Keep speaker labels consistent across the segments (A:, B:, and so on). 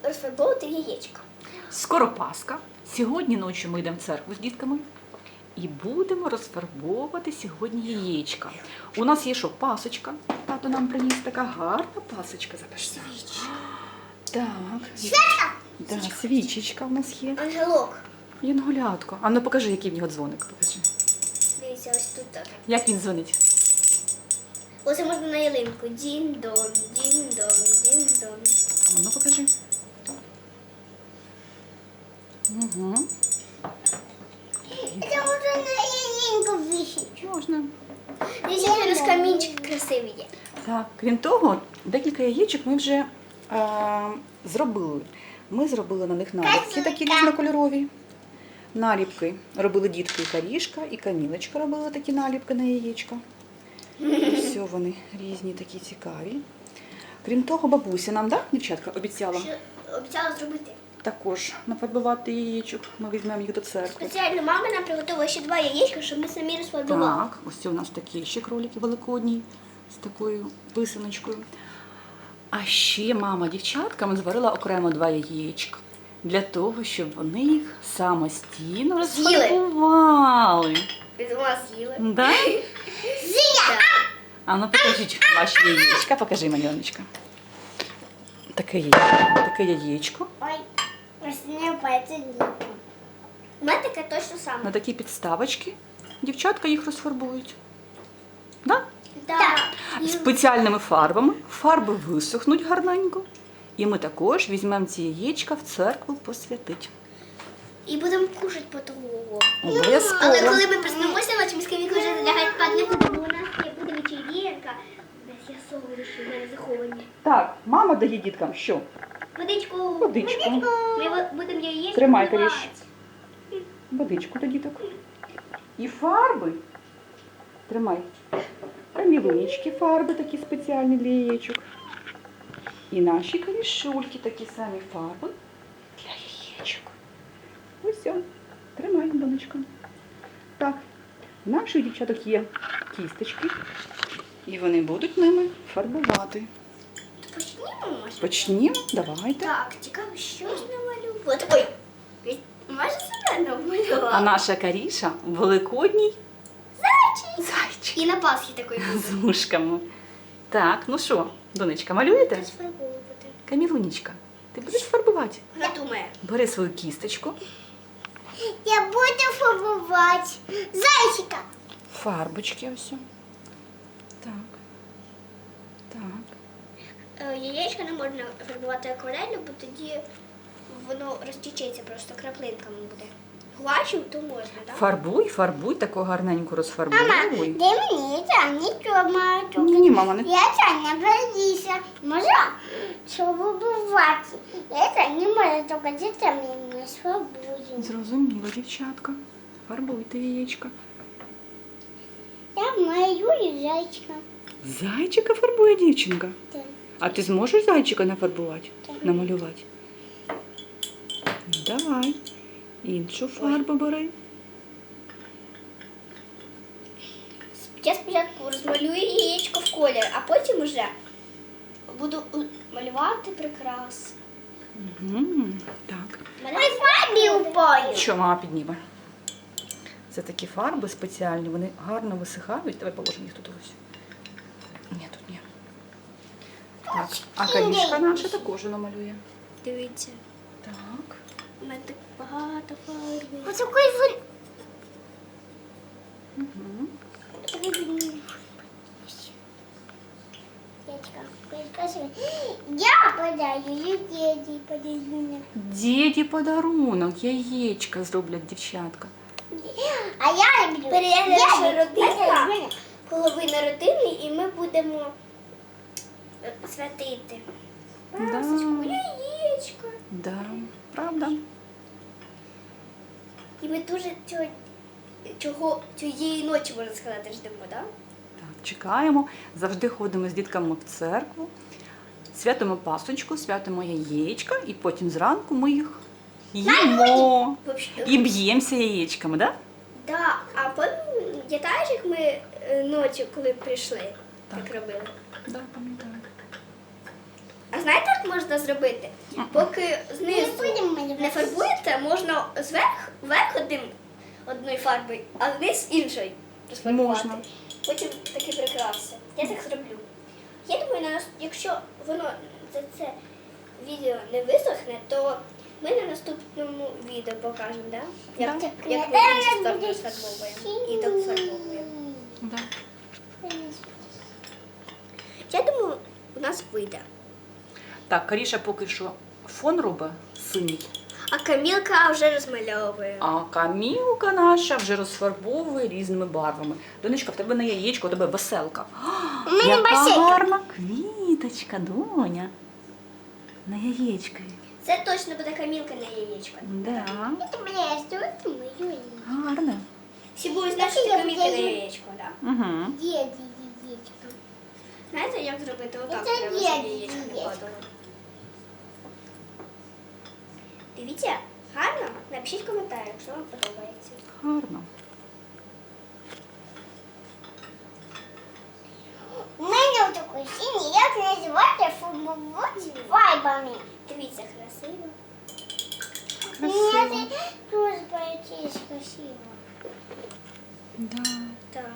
A: розфарбовувати яєчко.
B: Скоро Пасха. Сьогодні ночі ми йдемо в церкву з дітками і будемо розфарбовувати сьогодні яєчка. У нас є що? Пасочка. Тато нам приніс така гарна пасочка. Запиши. Так.
A: Свічка!
B: Да, свічечка у нас є.
A: Ангелок.
B: Янголятко. А ну покажи, який в нього дзвоник. Покажи.
A: Дивіться, ось тут так.
B: Як він дзвонить?
A: Оце можна на ялинку. Дін-дон, дін-дон, дін-дон.
B: А ну покажи. Угу.
A: Це можна на ялинку висіти.
B: Можна.
A: Дивіться, який у нас камінчик красивий є.
B: Так, крім того, декілька яєчок ми вже зробили. Ми зробили на них наліпки такі різнокольорові. Наліпки робили дітки і Карішка, і Камілочка робили такі наліпки на яєчка. Все вони різні, такі цікаві. Крім того, бабуся нам, так, дівчатка, обіцяла
A: Що обіцяла зробити.
B: також нафарбувати яєчок. Ми візьмемо їх до церкви.
A: Спеціально мама нам приготувала ще 2 яєчка, щоб ми самі розфарбували.
B: Так, ось це у нас такі ще кролики великодні з такою писаночкою. А ще мама дівчаткам зварила окремо 2 яєчка для того, щоб вони їх самостійно
A: З'їли.
B: розфарбували.
A: Від вас з'їли.
B: Да?
A: З'їли!
B: А ну покажіть ваші яєчка, покажи, Маньоночка. Таке яєчко.
A: Ой, ось не пальці. У мене таке точно саме.
B: На такі підставочки дівчатка їх розфарбують. Да?
A: Так.
B: Спеціальними фарбами. Фарби висохнуть гарненько. І ми також візьмемо ці яєчка в церкву посвятить.
A: І будемо кушати по тому.
B: Обов'язково.
A: Але коли ми проснемося ночі, ми з Камілкою вже лягають спати не будемо. У нас є буде вечірка. Десь я солодощі в мене заховані.
B: Так, мама дає діткам що?
A: Водичку.
B: Водичку.
A: Ми будемо яєчко
B: Тримай,
A: вбивати.
B: Каріш. Водичку до діток. І фарби. Тримай. Камілунічки фарби такі спеціальні для яєчок. І наші камішульки такі самі фарби для яєчок. Ось все. Тримай, донечко. Так, у наших дівчаток є кісточки. І вони будуть ними фарбувати.
A: Почнімо, може?
B: Почнімо? Давайте.
A: Так, цікаво, що ж намалювати. Ой, майже себе намалювала.
B: А наша Каріша великодній
A: Зайчик.
B: зайчик
A: І на Пасхі такий був.
B: з вушками. Так, ну що, донечка, малюєте?
A: Розфарбовувати.
B: Камілунічка, ти будеш фарбувати?
A: Я думаю.
B: Бери свою кісточку,
A: Я буду фарбувати зайчика.
B: фарбочки ось. Так. Так.
A: Яєчко не можна фарбувати акварелью, бо тоді воно розтічеться просто краплинками буде. Гуашю, то можна, так?
B: Фарбуй, таку гарненьку розфарбуй.
A: де мені це нічого маю.
B: Ні, мама, не
A: Я це не боюся. Можна фарбувати. Я це не можу, тільки діти мені свободні.
B: зрозуміла, дівчатка. Фарбуйте яєчка.
A: Я малюю зайчика.
B: Зайчика фарбує дівчинка.
A: Так.
B: А ти зможеш зайчика нафарбувати?
A: Так.
B: Намалювати? Ну, давай. Іншу фарбу бери.
A: Я спочатку розмалюю яєчко в колір, а потім вже буду малювати прикрас.
B: Угу. Так.
A: Ой, фарбі упаю.
B: Що мама підніме? Це такі фарби спеціальні, вони гарно висихають. Давай положимо їх тут ось. Ні, тут ні. Так, а Карішка наша також намалює.
A: Дивіться.
B: Так.
A: У мене так багато фарби. Ось
B: Угу.
A: Я подаю, діді подаю.
B: Діді подарунок, яєчка зроблять дівчатка.
A: А я люблю. Переглядаєш родина, половина родини, і ми будемо святити. Пасочку, яєчко.
B: Да, правда.
A: І ми дуже цієї ночі, можна сказати, ждемо, так?
B: Так, чекаємо, завжди ходимо з дітками в церкву, святимо пасочку, святимо яєчка, і потім зранку ми їх їмо. І б'ємося яєчками, так?
A: Так, а пам'ятаєш, як ми ночі, коли прийшли, так робили?
B: Да, пам'ятаю.
A: А А знаєте, як можна зробити? Поки знизу не фарбуєте, можна вверх одною фарбою, а вниз іншою розфарбувати.
B: Можна.
A: Потім такі прикраси. Я так зроблю. Я думаю, якщо воно це відео не висохне, то ми на наступному відео покажемо, да? Як
B: Да.
A: ми іншу сторону розфарбовуємо і дофарбовуємо.
B: Да.
A: Я думаю, у нас вийде.
B: Так, Каріша поки що фон робить синій,
A: А Камілка вже розмальовує.
B: а Камілка наша вже розфарбовує різними барвами. Донечка, в тебе на яєчко, у тебе веселка.
A: У мене
B: Яка
A: басейка.
B: гарна квіточка, доня. На яєчкові.
A: Це точно буде Камілка на яєчко.
B: Да. Гарно.
A: Всі будуть знати, що це Камілка на яєчко, так?
B: Угу.
A: Знаєте, як зробити отак?
C: Це
A: Треба,
C: є
A: щоб яєчко не
C: яєчко.
A: падало. Дивіться, гарно? Напишіть коментар, якщо вам подобається.
B: Гарно.
C: У мене такий синій, як називати футболці вайбами.
A: Дивіться, красиво.
B: Красиво.
C: Мені це дуже боїться красиво.
B: Да.
A: Так.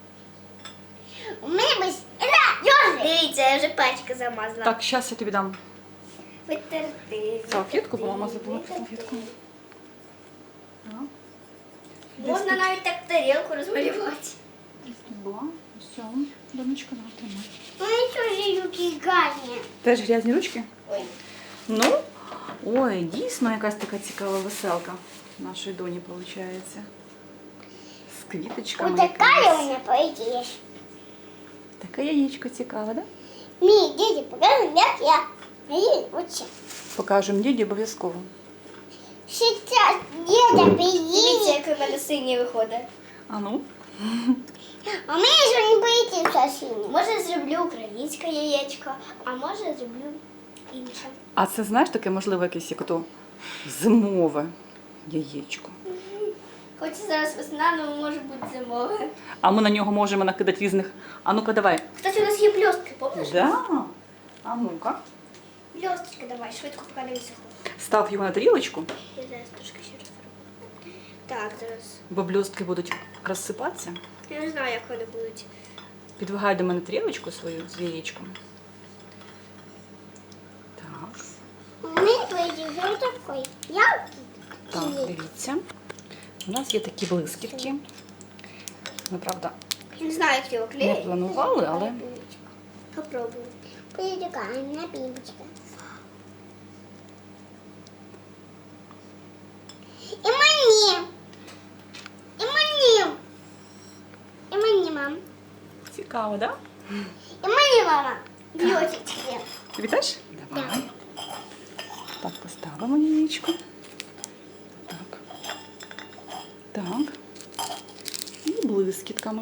C: У мене без йожик.
A: Дивіться, я вже пачка замазала.
B: Так, зараз я тобі дам.
A: Витерти.
B: Салфетку, бо мама забула про салфетку. Так.
A: Можна навіть так тарілку розмалювати.
B: Десь тут була. Все, донечка, на, тримай.
C: У мене теж руки гарні.
B: Теж грязні ручки?
A: Ой.
B: Ну, ой, дійсно якась така цікава веселка нашої доні виходить. З квіточками.
C: Ось така
B: якимись.
C: у мене поїдеш.
B: Таке яєчко цікаве, да?
C: Мій діді показує, як я учу.
B: Покажемо діді обов'язково.
C: Сейчас діда
A: Дивіться,
C: приїде.
A: як у мене синій виходить.
B: А ну?
C: А мені ж не боїться синій.
A: Може зроблю українське яєчко, а може зроблю інше.
B: А це, знаєш, таке, можливо, якесь як ото зимове яєчко.
A: Хоч зараз весна, але може бути зимове.
B: А ми на нього можемо накидати різних. А ну-ка, давай.
A: Кстати, у нас є блістки, помниш?
B: Да. А ну-ка.
A: Блісточки давай, швидко поки не висохло.
B: Став його на тарілочку,
A: Я зараз трошки ще розфарбую. Так, зараз.
B: бо блістки будуть розсипатися.
A: Я не знаю, як вони будуть.
B: Підвигай до мене тарілочку свою з яєчком. Так.
C: У мене поїдеш ось такий. Я
B: Так, дивіться. У нас є такі блискітки. Ми, правда,
A: Я не знаю, як його
B: не
A: клеїти.
B: планували, але
A: Попробую.
C: поїду на бімочка. І мені. І мені. І мені, мам.
B: цікаво, так?
C: І мені, мама.
A: Блісточки.
B: Тобі теж? Давай. Так, поставимо яєчко. Так. Так. І блискітками.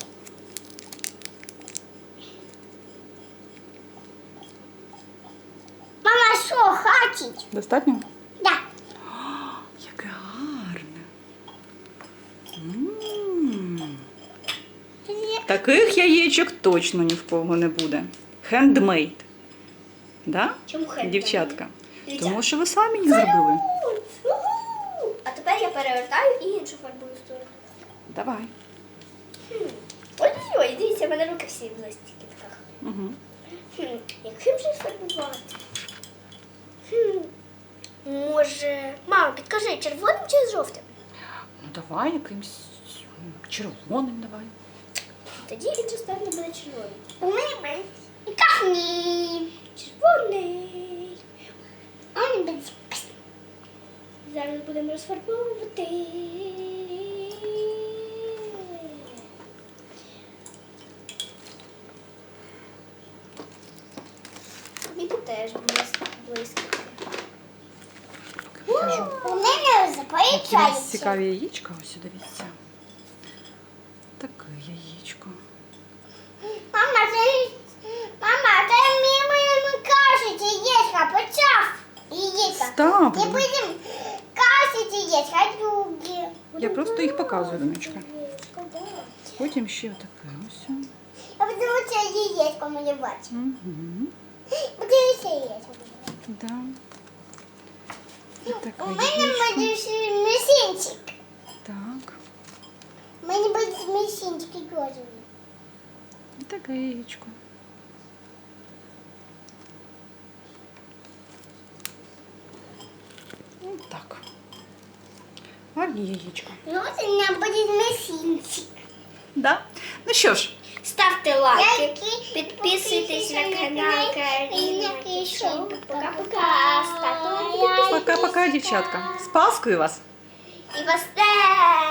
C: Мама, що, хатить?
B: Достатньо?
C: Да.
B: Яке гарне. Таких яєчок точно ні в кого не буде. Хендмейд. Да?
A: Чому хендмейд?
B: Дівчатка.
A: Дивіться.
B: Тому що ви самі їх зробили.
A: Уху! А тепер я перевертаю і іншу фарбую сторону.
B: Давай.
A: Ой-ой-ой, дивіться, в мене руки всі в блискітках.
B: Угу.
A: Яким же фарбувати? Може. Мам, підкажи, червоним чи жовтим?
B: Ну давай якимсь червоним давай.
A: Тоді інша сторона буде червоним.
C: У мене буде. І кахні.
A: Червоний.
C: А мені буде.
A: Зараз будемо розфарбовувати. Мені теж блискітки.
B: Покажу.
C: У мене
B: Які у нас
C: запоїчається.
B: цікаві яєчка. Ось дивіться. Таке яєчко.
C: Мама, це мені кажуть, яєчка, почав яєчка.
B: Ставлю.
C: І будемо кашити яєчка, другі.
B: Я просто їх показую, донечка.
A: Яєчко, да.
B: Потім ще отаке ось.
C: Я буду це яєчко малювати.
B: Угу.
C: Подивися
B: Да. Вот
C: У
B: такое
C: мене
B: яєчко.
C: буде ще місінчик.
B: Так.
C: У мене буде місінчик розовий.
B: Вот такое яєчко. Вот так. Гарні яєчко.
C: Ну, от у мене буде місінчик.
B: Да? Ну що ж,
A: Ставте лайки,
C: Лайки,
A: підписуйтесь на канал Каріна Кішоу. Пока-пока. Ставте лайки,
B: пока-пока, дівчатка. З Паскою вас!
A: І вас теж.